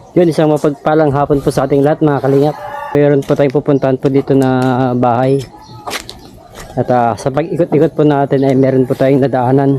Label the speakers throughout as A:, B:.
A: Yun, isang mapagpalang hapon po sa ating lahat mga kalingap. Mayroon po tayong pupuntahan po dito na bahay. At sa pag-ikot-ikot po natin ay meron po tayong nadaanan.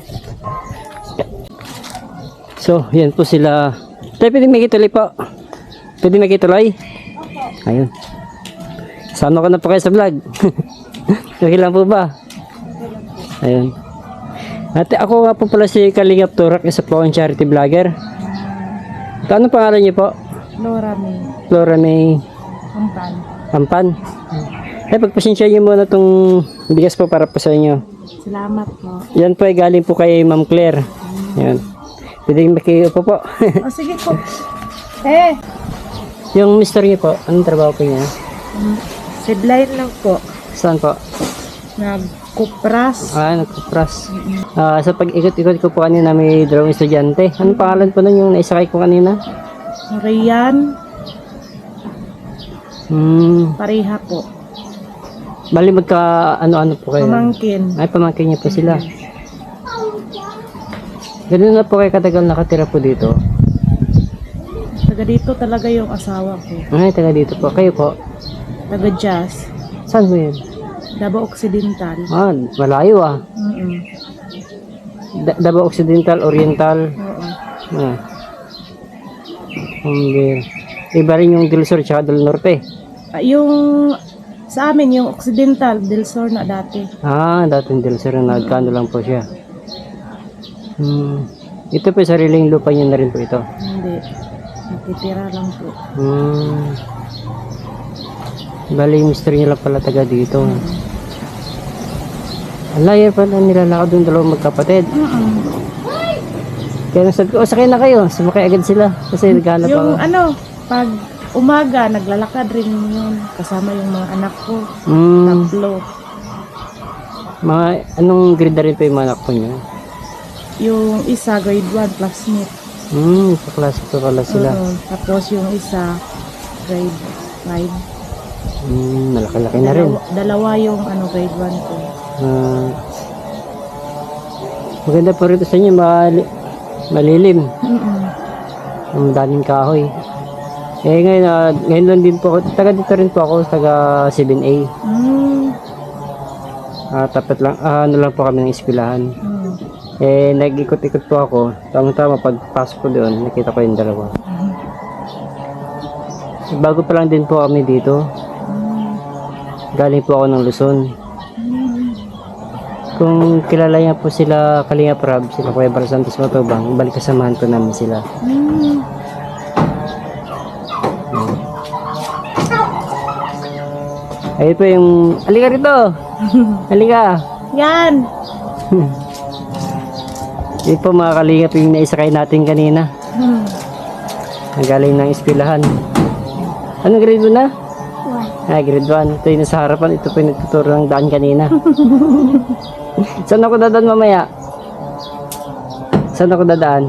A: So, yan po sila. Tayo, pwede makituloy po. Pwede makituloy? Ayun. Sama ko na po kayo sa vlog. Okay lang po ba? Ayun. At ako nga po pala si Kalingap Turak, isa po akong charity vlogger. Ano pangalan niyo po?
B: Flora May.
A: Flora May
B: Ampan.
A: Ampan. Ay, pagpasensya niyo muna itong bigas po para po sa inyo.
B: Salamat po.
A: Yan po ay galing po kay Ma'am Claire. Yan. Pwede makiupo po.
B: O sige po.
A: Yung mister niyo po, anong trabaho po niya?
B: Sidline lang po.
A: Saan po?
B: Nagkupras.
A: Nagkupras. Sa pag-ikot-ikot ko po kanina may dalawang estudyante. Anong pangalan po nun yung naisakay ko kanina?
B: Rian. Pareha po.
A: Bali magka ano-ano po kayo?
B: Pamangkin.
A: Ay, pamangkin niyo po sila. Ganun na po kayo katagal nakatira po dito?
B: Taga dito talaga yung asawa ko.
A: Ay, taga dito po. Kayo po?
B: Taga Jazz.
A: Saan po yun?
B: Davao Occidental.
A: Malayo ah. Davao Occidental, Oriental.
B: Oo.
A: Iba rin yung Del Sur tsaka Del Norte.
B: Yung sa amin, yung Occidental, Del Sur na dati.
A: Dating Del Sur na nagkano lang po siya. Ito po sariling lupa niya na rin po ito.
B: Hindi. Nakitira lang po.
A: Bali yung mister niya lang pala taga dito. Alayan pa na nilalakad yung dalawang magkapatid. Kaya nasabi ko, sakay na kayo. Sumakay agad sila. Kasi naghanap ako.
B: Yung pag umaga, naglalakad rin yun. Kasama yung mga anak ko. Tatlo.
A: Anong grade na rin po yung mga anak po niyo?
B: Yung isa, grade 1, classmate.
A: Sa klase po pala sila.
B: Tapos yung isa, grade 5.
A: Malaki-laki na rin.
B: Dalawa yung grade 1 ko.
A: Maganda po rito sa inyo, malilim. Ang daming kahoy. Ngayon lang din po ako, taga dito rin po ako, taga 7A. Tapat lang, ano lang po kami ng eskwelahan. Nag-ikot-ikot po ako. Tama-tama, pagpasok ko doon, nakita ko yung dalawa. Bago pa lang din po kami dito. Galing po ako ng Luzon. Kung kilala niya po sila Kalingap Rab, sila Kuya Bar Santos Matubang, balik kasamahan po namin sila. Ayun po yung, halika rito! Halika!
B: Yan!
A: Yun po mga Kalingap yung naisakay natin kanina. Nagaling ng eskwelahan. Anong grade mo na? Grade 1. Ito yung nasa harapan. Ito po yung nagtuturo ng daan kanina. Saan ako dadaan mamaya? Saan ako dadaan?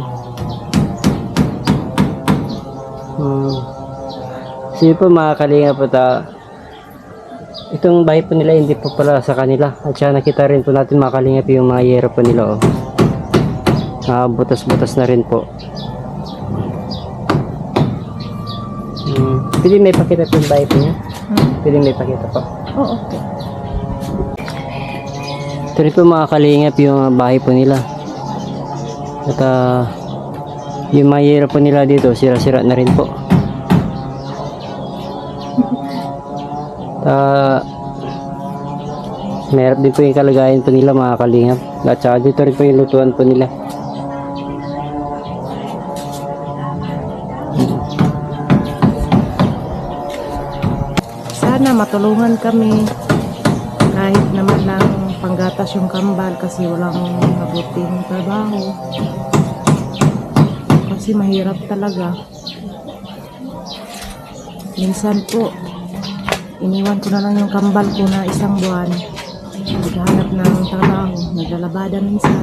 A: Sige po mga Kalingap po itong bahay po nila hindi po pala sa kanila. At saka nakita rin po natin mga Kalingap yung mga yero po nila. Butas-butas na rin po. Pwede may pakita po yung bahay po niya? Pwede may pakita po.
B: Okay.
A: Ito rin po mga Kalingap yung bahay po nila. At yung mga yero po nila dito, sira-sira na rin po. Mayroon din po yung kalagayan po nila mga Kalingap. At saka dito rin po yung lutuan po nila.
B: Sana matulungan kami kahit naman lang panggatas yung kambal kasi walang mabuting trabaho. Kasi mahirap talaga. Minsan po, iniwan ko na lang yung kambal ko na isang buwan. Naghahanap ng trabaho, naglalabada minsan.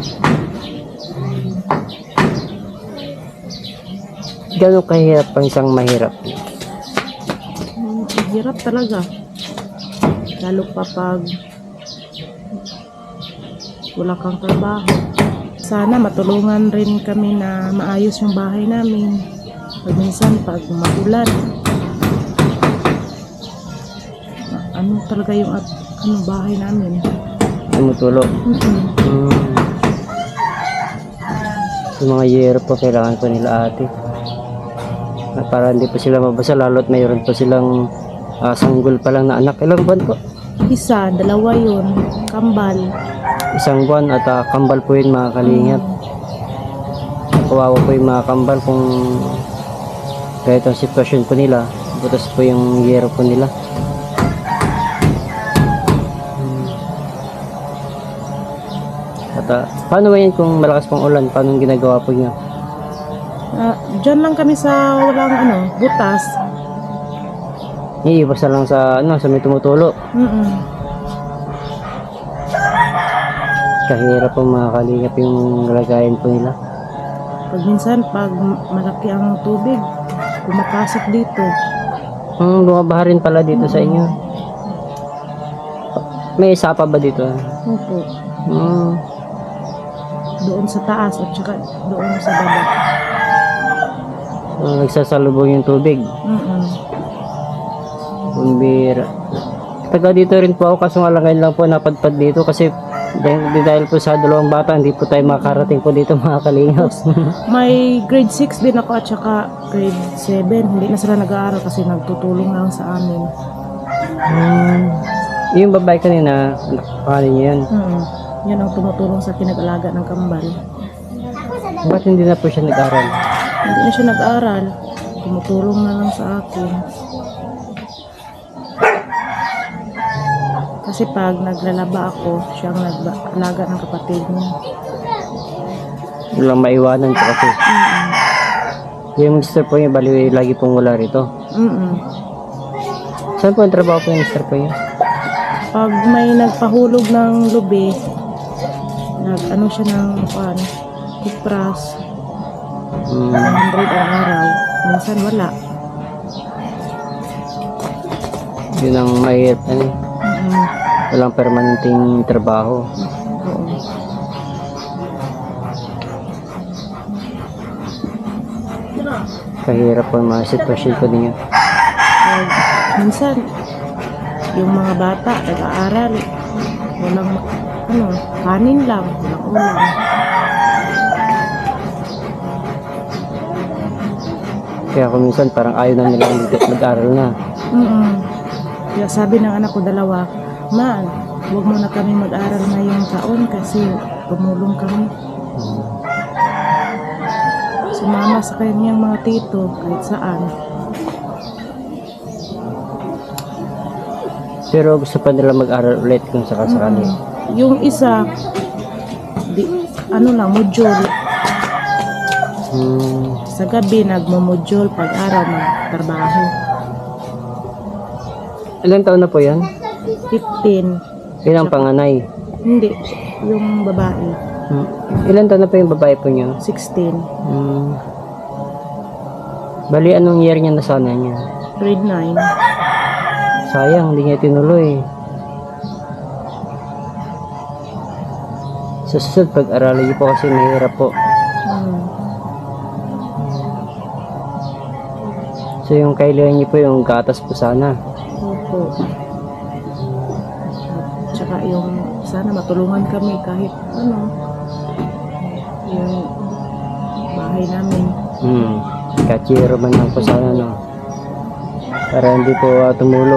A: Gano'ng kahirap ang isang mahirap?
B: Hirap talaga. Lalo pa pag wala kang trabaho. Sana matulungan rin kami na maayos yung bahay namin. Pag minsan, pag magulan, ano talaga yung bahay namin.
A: Tumutulo. Yung mga yero po kailangan po nila ate. Para hindi po sila mabasa, lalo't mayroon po silang sanggol pa lang na anak. Ilang buwan po?
B: Isa, dalawa yun. Kambal.
A: Isang buwan at kambal po yun mga kalingap. Kawawa po yung mga kambal kung kahit ang sitwasyon po nila, butas po yung yero po nila. At paano ba yan kung malakas pong ulan? Paano yung ginagawa po niyo?
B: Diyan lang kami sa walang butas.
A: Iiwas na lang sa may tumutulo. Kahirap po mga kalingap yung lagayan po nila.
B: Pag minsan, pag malaki ang tubig, kumapasok dito.
A: Bumabaha rin pala dito sa inyo. May sapa ba dito?
B: Opo.
A: Hmm.
B: Doon sa taas at saka doon sa baba.
A: Nagsasalubong yung tubig. Kumbira. Taga dito rin po ako, kaso nga lang po napadpad dito kasi dahil po sa dalawang bata, hindi po tayo makarating po dito mga kalingap.
B: May grade 6 din ako at saka grade 7. Hindi na sila nag-aaral kasi nagtutulong lang sa amin.
A: Yung babae kanina, paano niyo yan?
B: Yan ang tumutulong sa pinag-alaga ng kambal.
A: Ba't hindi na po siya nag-aral?
B: Hindi na siya nag-aaral. Tumutulong na lang sa akin. Kasi pag naglalaba ako, siya ang nag-alaga ng kapatid niya.
A: Walang maiwanan po kasi. Yung mister po niya, bali lagi pong wala rito. Saan po ang trabaho po yung mister po niya?
B: Pag may nagpahulog ng lubi, siya ng kupras, 100 ang araw. Minsan wala.
A: Yun ang mahirap. Walang permanenteng trabaho.
B: Oo.
A: Kahirap po ang mga sitwasyon ko ninyo.
B: Minsan, yung mga bata nag-aaral, walang kanin lang, walang ulam.
A: Kaya kung minsan parang ayaw na nilang mag-aral na.
B: Kaya sabi ng anak ko dalawa, "Ma, huwag mo na kami mag-aral ngayong taon kasi tumulong kami." Sumama sa kanyang mga tito kahit saan.
A: Pero gusto pa nila mag-aral ulit kung sakasakali.
B: Yung isa, module. Sa gabi, nagmo-module pag-araw magtrabaho.
A: Ilang taon na po yan?
B: 15.
A: Ilang panganay?
B: Hindi, yung babae.
A: Ilang taon na po yung babae po niyo?
B: 16.
A: Bali, anong year niya na sana niya?
B: Grade 9.
A: Sayang, hindi niya tinuloy. Sa susunod, pag-aralin niyo po kasi mahirap po. So yung kailangan niyo po yung gatas po sana.
B: Opo. Tsaka yung sana matulungan kami kahit yung bahay namin.
A: Kachiro man lang po sana, no? Para hindi po tumulo.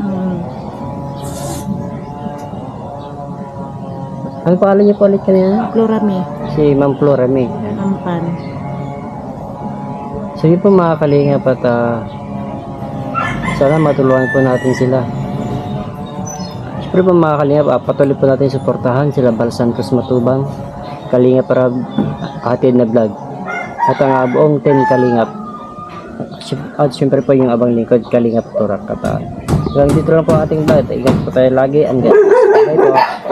A: Ano pangalan niyo po ulit kanina?
B: Florame.
A: Si Ma'am Florame.
B: Ampan.
A: So yun po mga kalingap at sana matulungan po natin sila. Siyempre po mga kalingap, patuloy po natin suportahan sila Bal Santos Matubang, Kalingap para hatid na vlog. At ang buong team Kalingap. At siyempre po yung abang lingkod Kalingap Turak. At hanggang dito lang po ang ating vlog. Ingat po tayo lagi. Bye po.